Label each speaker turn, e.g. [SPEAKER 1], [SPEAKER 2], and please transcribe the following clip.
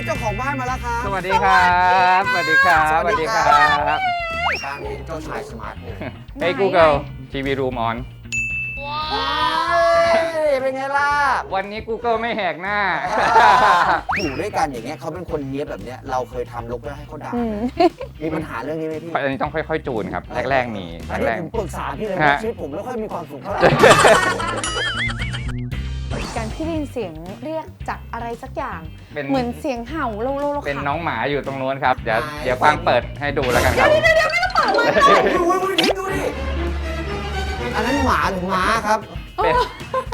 [SPEAKER 1] จ้าของบ้านมาแล้วครับ
[SPEAKER 2] สวัสดีครับสวัสดีครับสวัสดีครับ
[SPEAKER 1] บ้านนี้เจ้าชายสมาร์ทโฮม
[SPEAKER 2] Hey Google TV Room on
[SPEAKER 1] เป็นไงล่ะ
[SPEAKER 2] วันนี้ Google ไม่แหกหน้า
[SPEAKER 1] อยู่ด้วยกันอย่างเงี้ยเขาเป็นคนเนี้ยบแบบเนี้ยเราเคยทำลกแล้วให้เขาด่ามีปัญหาเรื่องนี้ไหมพี่
[SPEAKER 2] อันนี้ต้องค่อยๆจูนครับ แรกๆมี
[SPEAKER 1] อันนี้ผมปรึกษาพี่เลยนะชีวิตผมไม่ค่อยมีความสุขเท่าไหร่
[SPEAKER 3] การที่ได้ยินเสียงเรียกจากอะไรสักอย่าง
[SPEAKER 2] เป็น
[SPEAKER 3] เหมือนเสียงเห่าโลโลโล
[SPEAKER 2] เป็นน้องหมาอยู่ตรงนู้นครับ เดี๋ยวฟังเปิดให้ดูแล้วกันครับ
[SPEAKER 1] ดูดิอันนั้นหมาหรือม้าครับ
[SPEAKER 2] เป็น